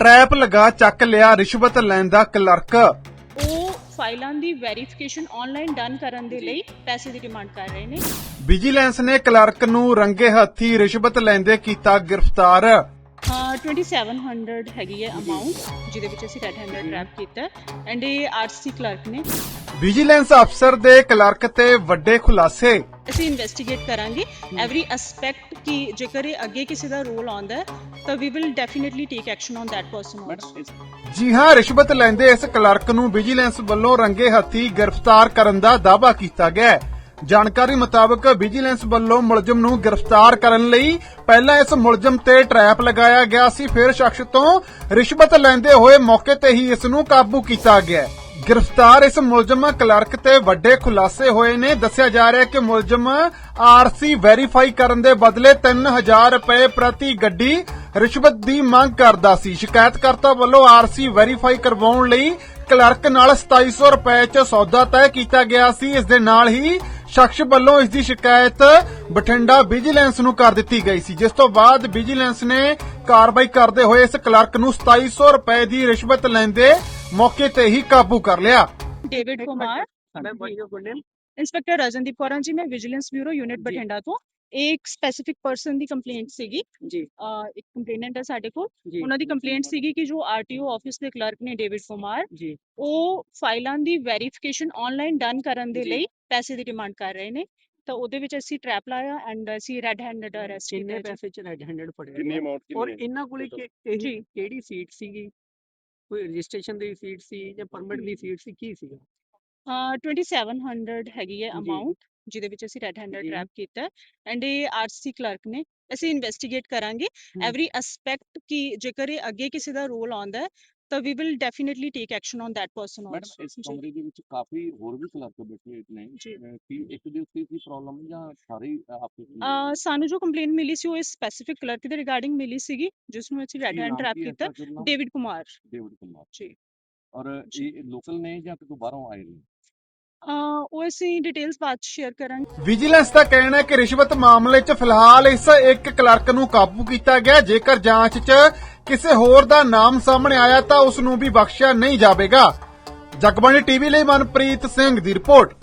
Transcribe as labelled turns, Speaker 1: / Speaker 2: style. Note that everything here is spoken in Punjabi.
Speaker 1: ट्रैप लगा चक लिया रिश्वत लैंदा क्लर्क।
Speaker 2: ਉਹ ਫਾਈਲਾਂ ਦੀ ਵੈਰੀਫਿਕੇਸ਼ਨ ਆਨਲਾਈਨ ਡਨ ਕਰਨ ਦੇ ਲਈ ਪੈਸੇ ਦੀ ਡਿਮਾਂਡ ਕਰ ਰਹੇ ਨੇ।
Speaker 1: ਵਿਜੀਲੈਂਸ ਨੇ ਕਲਰਕ ਨੂੰ ਰੰਗੇ ਹੱਥੀ ਰਿਸ਼ਵਤ ਲੈਂਦੇ ਕੀਤਾ ਗ੍ਰਿਫਤਾਰ।
Speaker 2: 2700 ਹੈਗੀ ਹੈ ਅਮਾਉਂਟ ਜਿਹਦੇ ਵਿੱਚ ਅਸੀਂ ਰੈਡ ਹੈਂਡਡ ਟ੍ਰੈਪ ਕੀਤਾ ਐਂਡ ਇਹ ਆਰਸੀ ਕਲਰਕ ਨੇ।
Speaker 1: ਵਿਜੀਲੈਂਸ ਅਫਸਰ ਦੇ ਕਲਰਕ ਤੇ ਵੱਡੇ ਖੁਲਾਸੇ।
Speaker 2: ਅਸੀਂ ਇਨਵੈਸਟੀਗੇਟ ਕਰਾਂਗੇ ਐਵਰੀ ਐਸਪੈਕਟ ਕਿ ਜੇਕਰ ਇਹ ਅੱਗੇ ਕਿਸੇ ਦਾ ਰੋਲ ਆਉਂਦਾ ਹੈ ਤਾਂ we will definitely take action on that person also.
Speaker 1: ਜੀ ਹਾਂ, ਰਿਸ਼ਵਤ ਲੈਂਦੇ ਇਸ ਕਲਰਕ ਨੂੰ ਵਿਜੀਲੈਂਸ ਵੱਲੋਂ ਰੰਗੇ ਹੱਥੀ ਗ੍ਰਿਫਤਾਰ ਕਰਨ ਦਾ ਦਾਅਵਾ ਕੀਤਾ ਗਿਆ ਹੈ। ਜਾਣਕਾਰੀ ਮੁਤਾਬਕ ਵਿਜੀਲੈਂਸ ਵੱਲੋਂ ਮੁਲਜ਼ਮ ਨੂੰ ਗ੍ਰਿਫਤਾਰ ਕਰਨ ਲਈ ਪਹਿਲਾਂ ਇਸ ਮੁਲਜ਼ਮ ਤੇ ਟਰੈਪ ਲਗਾਇਆ ਗਿਆ ਸੀ, ਫਿਰ ਸ਼ਖਸ ਤੋਂ ਰਿਸ਼ਵਤ ਲੈਂਦੇ ਹੋਏ ਮੌਕੇ ਤੇ ਹੀ ਇਸ ਨੂੰ ਕਾਬੂ ਕੀਤਾ ਗਿਆ। ਗ੍ਰਿਫਤਾਰ ਇਸ ਮੁਲਜ਼ਮ ਕਲਰਕ ਤੇ ਵੱਡੇ ਖੁਲਾਸੇ ਹੋਏ ਨੇ। ਦੱਸਿਆ ਜਾ ਰਿਹਾ ਹੈ ਕਿ ਮੁਲਜ਼ਮ ਆਰਸੀ ਵੈਰੀਫਾਈ ਕਰਨ ਦੇ ਬਦਲੇ 3000 ਰੁਪਏ ਪ੍ਰਤੀ ਗੱਡੀ ਰਿਸ਼ਵਤ ਦੀ ਮੰਗ ਕਰਦਾ ਸੀ। ਸ਼ਿਕਾਇਤਕਰਤਾ ਵੱਲੋਂ ਆਰਸੀ ਵੈਰੀਫਾਈ ਕਰਵਾਉਣ ਲਈ ਕਲਰਕ ਨਾਲ 2700 ਰੁਪਏ 'ਚ ਸੌਦਾ ਤੈਅ ਕੀਤਾ ਗਿਆ ਸੀ। ਇਸ ਦੇ ਨਾਲ ਹੀ ਸ਼ਖਸ ਵੱਲੋਂ ਇਸ ਦੀ ਸ਼ਿਕਾਇਤ ਬਠਿੰਡਾ ਵਿਜੀਲੈਂਸ ਨੂੰ ਕਰ ਦਿੱਤੀ ਗਈ ਸੀ, ਜਿਸ ਤੋਂ ਬਾਅਦ ਵਿਜੀਲੈਂਸ ਨੇ ਕਾਰਵਾਈ ਕਰਦੇ ਹੋਏ ਇਸ ਕਲਰਕ ਨੂੰ 2700 ਰੁਪਏ ਦੀ ਰਿਸ਼ਵਤ ਲੈਂਦੇ ਮੌਕੇ ਤੇ ਹੀ ਕਾਬੂ ਕਰ ਲਿਆ।
Speaker 2: ਡੇਵਿਡ ਕੁਮਾਰ, ਇੰਸਪੈਕਟਰ ਰਜਨਦੀਪ ਕੌਰ ਜੀ, ਮੈਂ ਵਿਜੀਲੈਂਸ ਬਿਊਰੋ ਯੂਨਿਟ ਬਠਿੰਡਾ ਤੋਂ। ਇਹ ਇੱਕ ਸਪੈਸੀਫਿਕ ਪਰਸਨ ਦੀ ਕੰਪਲੇਂਟ ਸੀਗੀ ਜੀ। ਇੱਕ ਕੰਪਲੇਨੈਂਟ ਹੈ ਸਾਡੇ ਕੋਲ, ਉਹਨਾਂ ਦੀ ਕੰਪਲੇਂਟ ਸੀਗੀ ਕਿ ਜੋ ਆਰਟੀਓ ਆਫਿਸ ਦੇ ਕਲਰਕ ਨੇ ਡੇਵਿਡ ਕੁਮਾਰ ਜੀ, ਉਹ ਫਾਈਲਾਂ ਦੀ ਵੈਰੀਫਿਕੇਸ਼ਨ ਆਨਲਾਈਨ ਡਨ ਕਰਨ ਦੇ ਲਈ ਪੈਸੇ ਦੀ ਡਿਮਾਂਡ ਕਰ ਰਹੇ ਨੇ। ਤਾਂ ਉਹਦੇ ਵਿੱਚ ਅਸੀਂ ਟ੍ਰੈਪ ਲਾਇਆ ਐਂਡ ਅਸੀਂ ਰੈਡ ਹੈਂਡਡ ਅਰੈਸਟ ਕੀਤਾ।
Speaker 3: ਕਿੰਨੇ ਪੈਸੇ ਚ ਰੈਡ ਹੈਂਡਡ ਫੜਿਆ?
Speaker 4: ਕਿੰਨੀ ਅਮਾਉਂਟ
Speaker 3: ਔਰ ਇਹਨਾਂ ਕੋਲੇ ਕਿਹੜੀ ਸੀਟ ਸੀਗੀ? ਕੋਈ ਰਜਿਸਟ੍ਰੇਸ਼ਨ ਦੀ ਸੀਟ ਸੀ ਜਾਂ ਪਰਮਿਟ ਦੀ ਸੀਟ ਸੀ, ਕੀ ਸੀਗਾ?
Speaker 2: 2700 ਹੈਗੀ ਹੈ ਅਮਾਉਂਟ ਜਿਹਦੇ ਵਿੱਚ ਅਸੀਂ ਰੈਡ ਹੈਂਡਡ ਟ੍ਰੈਪ ਕੀਤਾ ਐਂਡ ਇਹ ਆਰਸੀ ਕਲਰਕ ਨੇ। ਅਸੀਂ ਇਨਵੈਸਟੀਗੇਟ ਕਰਾਂਗੇ ਐਵਰੀ ਐਸਪੈਕਟ ਕਿ ਜੇਕਰ ਇਹ ਅੱਗੇ ਕਿਸੇ ਦਾ ਰੋਲ ਆਉਂਦਾ ਹੈ ਤਾਂ we will definitely take action on that person also.
Speaker 4: ਇਸ ਕਮਰੇ ਦੇ ਵਿੱਚ ਕਾਫੀ ਹੋਰ ਵੀ ਕਲਰਕ ਬੈਠੇ ਨੇ ਕਿ ਇੱਕ ਦੇ ਉੱਤੇ ਕੀ ਪ੍ਰੋਬਲਮ ਜਾਂ ਸਾਰੇ ਆਪੇ?
Speaker 2: ਸਾਨੂੰ ਜੋ ਕੰਪਲੇਂਟ ਮਿਲੀ ਸੀ ਉਹ ਇਸ ਸਪੈਸੀਫਿਕ ਕਲਰਕ ਦੇ ਰਿਗਾਰਡਿੰਗ ਮਿਲੀ ਸੀਗੀ, ਜਿਸ ਨੂੰ ਅਸੀਂ ਰੈਡ ਹੈਂਡ ਟ੍ਰੈਪ ਕੀਤਾ। ਡੇਵਿਡ ਕੁਮਾਰ ਜੀ।
Speaker 4: ਔਰ ਇਹ ਲੋਕਲ ਨੇ ਜਾਂ ਕਿਤੋਂ ਬਾਹਰੋਂ ਆਏ ਨੇ?
Speaker 2: ਉਹ ਅਸੀਂ ਡਿਟੇਲਸ ਬਾਅਦ ਸ਼ੇਅਰ ਕਰਾਂਗੇ।
Speaker 1: ਵਿਜੀਲੈਂਸ ਦਾ ਕਹਿਣਾ ਹੈ ਕਿ ਰਿਸ਼ਵਤ ਮਾਮਲੇ 'ਚ ਫਿਲਹਾਲ ਇਸ ਇੱਕ ਕਲਰਕ ਨੂੰ ਕਾਬੂ ਕੀਤਾ ਗਿਆ। ਜੇਕਰ ਜਾਂਚ 'ਚ ਕਿਸੇ ਹੋਰ ਦਾ ਨਾਮ ਸਾਹਮਣੇ ਆਇਆ ਤਾਂ ਉਸ ਨੂੰ ਵੀ ਬਖਸ਼ਿਆ ਨਹੀਂ ਜਾਵੇਗਾ। ਜਗਬਾਣੀ ਟੀਵੀ ਲਈ ਮਨਪ੍ਰੀਤ ਸਿੰਘ ਦੀ ਰਿਪੋਰਟ।